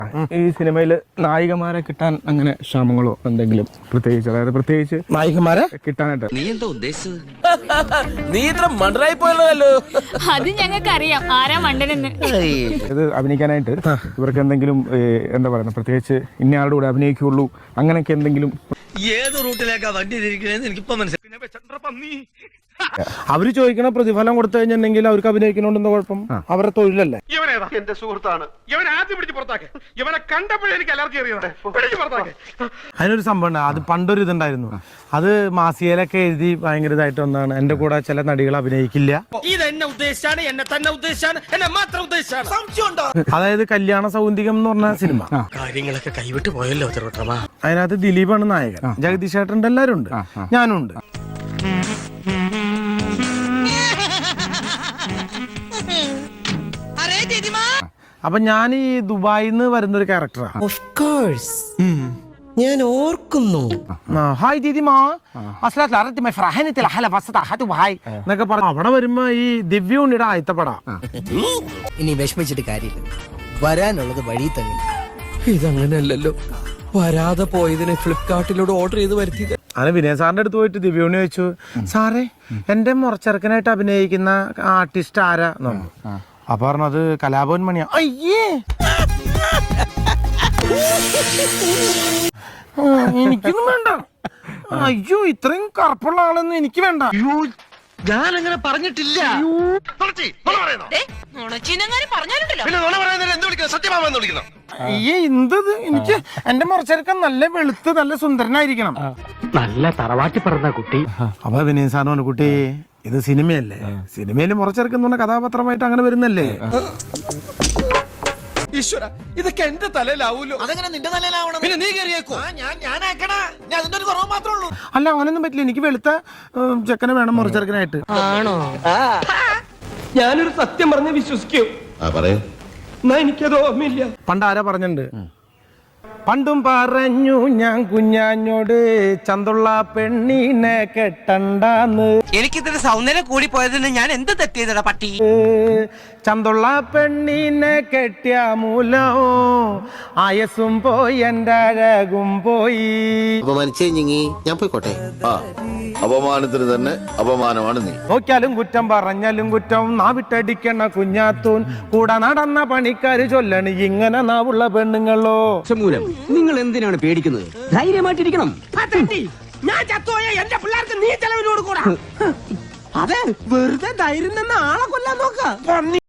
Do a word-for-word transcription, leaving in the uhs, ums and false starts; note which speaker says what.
Speaker 1: ഈ സിനിമയിൽ നായികമാരെ കിട്ടാൻ അങ്ങനെ ക്ഷാമങ്ങളോ എന്തെങ്കിലും പ്രത്യേകിച്ച് അതായത് പ്രത്യേകിച്ച്
Speaker 2: നായികമാരെ
Speaker 1: കിട്ടാനായിട്ട്
Speaker 3: നീ എന്താ ഉദ്ദേശിച്ചത്?
Speaker 2: നീ ഇത്ര മണ്ടറായി പോയല്ലോ.
Speaker 4: അത് ഞങ്ങൾക്ക് അറിയാം ആരാ മണ്ടനെന്ന്.
Speaker 1: ഇത് അഭിനയിക്കാനായിട്ട് ഇവർക്ക് എന്തെങ്കിലും എന്താ പറയുക പ്രത്യേകിച്ച് ഇന്നയാളുടെ കൂടെ അഭിനയിക്കുള്ളൂ അങ്ങനെയൊക്കെ എന്തെങ്കിലും
Speaker 3: ഏത് റൂട്ടിലേക്കാ വണ്ടി തിരിക്കണേന്ന് എനിക്കിപ്പോ മനസ്സിലായി.
Speaker 2: അവര് ചോദിക്കണ പ്രതിഫലം കൊടുത്തു കഴിഞ്ഞിട്ടുണ്ടെങ്കിൽ അവർക്ക് അഭിനയിക്കണോണ്ടെന്ന് കുഴപ്പം, അവരുടെ തൊഴിലല്ലേ.
Speaker 5: ഇവനേതാ എന്റെ സുഹൃത്താണ്. ഇവൻ ആദ്യം പിടിച്ച് പുറത്താക്കെ. ഇവനെ കണ്ടപ്പോഴേ എനിക്ക് അലർജി അറിയാതെ
Speaker 2: അതിനൊരു സംഭവം ഉണ്ട്. അത് പണ്ടൊരു ഇതുണ്ടായിരുന്നു. അത് മാസികയിലൊക്കെ എഴുതി ഭയങ്കര ഇതായിട്ട് ഒന്നാണ്. എന്റെ കൂടെ ചില നടികൾ അഭിനയിക്കില്ല.
Speaker 3: ഇതെന്നെ ഉദ്ദേശിച്ചാണ്, എന്നെ തന്നെ ഉദ്ദേശിച്ചാണ്, എന്നെ മാത്രം ഉദ്ദേശിച്ചാണ്.
Speaker 2: അതായത് കല്യാണ സൗന്ദര്യം എന്ന് പറഞ്ഞ സിനിമ.
Speaker 3: കാര്യങ്ങളൊക്കെ കൈവിട്ട് പോയല്ലോ തിരുവട്ടമാ.
Speaker 2: അതിനകത്ത് ദിലീപാണ് നായകൻ, ജഗദീഷ് ചേട്ടൻ്റെ എല്ലാവരും ഉണ്ട്, ഞാനും ഉണ്ട്. അപ്പൊ ഞാൻ ഈ ദുബായിന്ന് വരുന്ന ഒരു ക്യാരക്ടറാണ്.
Speaker 6: ഞാൻ ഓർക്കുന്നു.
Speaker 2: ഹായ് ദീദിമാ എന്നൊക്കെ പറഞ്ഞു. അവിടെ വരുമ്പോ ഈ ദിവ്യ ഉണ്ണിയുടെ ആയത്തപ്പട.
Speaker 6: ഇനി വിഷമിച്ചിട്ട് കാര്യമില്ല, വരാനുള്ളത് വഴി തന്നെ. ഇതങ്ങനെയല്ലല്ലോ, വരാതെ പോയതിന് ഫ്ലിപ്കാർട്ടിലൂടെ ഓർഡർ ചെയ്ത് വരുത്തിയത്.
Speaker 2: അങ്ങനെ വിനയ സാറിന്റെ അടുത്ത് പോയിട്ട് ദിവ്യ ഉണ്ണി ചോദിച്ചു, സാറേ എന്റെ മുറച്ചെറുക്കനായിട്ട് അഭിനയിക്കുന്ന ആർട്ടിസ്റ്റ് ആരാ എന്ന് പറഞ്ഞു. അപ്പൊ പറഞ്ഞത് കലാഭവൻ മണിയാ. അയ്യേ എനിക്കൊന്നും വേണ്ട. അയ്യോ ഇത്രയും കറുപ്പുള്ള ആളൊന്നും എനിക്ക് വേണ്ട.
Speaker 3: ഞാൻ അങ്ങനെ പറഞ്ഞിട്ടില്ല.
Speaker 2: അയ്യേ എന്തത്, എനിക്ക് എന്റെ മുറച്ചെറുക്കൻ നല്ല വെളുത്ത് നല്ല സുന്ദരനായിരിക്കണം.
Speaker 7: നല്ല തറവാട്ടി പറഞ്ഞ കുട്ടി.
Speaker 2: അപ്പൊ വിനയ സാറിന് പറഞ്ഞു, കുട്ടി ഇത് സിനിമയല്ലേ, സിനിമയിൽ മുറച്ചെറുക്കുന്ന പറഞ്ഞ കഥാപാത്രമായിട്ട് അങ്ങനെ വരുന്നല്ലേ.
Speaker 5: ഈശ്വര, ഇതൊക്കെ എന്റെ തലയിലാവൂലോ.
Speaker 6: അതെങ്ങനെ നിന്റെ നല്ലതാവണം?
Speaker 5: പിന്നെ നീ കയറിയേക്കോ?
Speaker 6: അതിന്റെ ഒരു കുറവ് മാത്രമേ ഉള്ളൂ.
Speaker 2: അല്ല അങ്ങനൊന്നും പറ്റില്ല, എനിക്ക് വെളുത്ത ഉം, ചെക്കനെ വേണം മുറച്ചെറുക്കനായിട്ട്.
Speaker 6: ആണോ?
Speaker 5: ഞാനൊരു സത്യം പറഞ്ഞ് വിശ്വസിക്കൂ. എന്നാ എനിക്കത് ഓർമ്മയില്ല.
Speaker 2: പണ്ട് ആരാ പറഞ്ഞിട്ടുണ്ട്, പണ്ടും പറഞ്ഞു ഞാൻ കുഞ്ഞാഞ്ഞോട് ചന്തുള്ള പെണ്ണിനെ കെട്ടണ്ടാന്ന്.
Speaker 6: എനിക്കിതിന്റെ സൗന്ദര്യം കൂടി പോയതിന് ഞാൻ എന്ത് തെറ്റിയതടാ പട്ടി.
Speaker 2: ചന്തുള്ള പെണ്ണിനെ കെട്ടിയ മൂലോ ആയസും പോയി എന്റെ അഴകും പോയി.
Speaker 6: അപമാനിച്ചേ ഞാൻ പോയിക്കോട്ടെ.
Speaker 8: അപമാനത്തിന് തന്നെ അപമാനമാണ് നീ.
Speaker 2: നോക്കിയാലും കുറ്റം പറഞ്ഞാലും കുറ്റം, നാവിട്ടടിക്കണ കുഞ്ഞാത്തൂൻ കൂടെ നടന്ന പണിക്കാര് ചൊല്ലണ് ഇങ്ങനെ നാവുള്ള പെണ്ണുങ്ങളോ.
Speaker 7: മൂലം നിങ്ങൾ എന്തിനാണ് പേടിക്കുന്നത്? ധൈര്യമായിട്ടിരിക്കണം.
Speaker 6: ഞാൻ ചത്തോയ എന്റെ പിള്ളേർക്ക് നീ ചെലവിനോട് കൂടാ. അതെ, വെറുതെ ധൈര്യം നിന്ന് ആളെ കൊല്ലാൻ നോക്ക.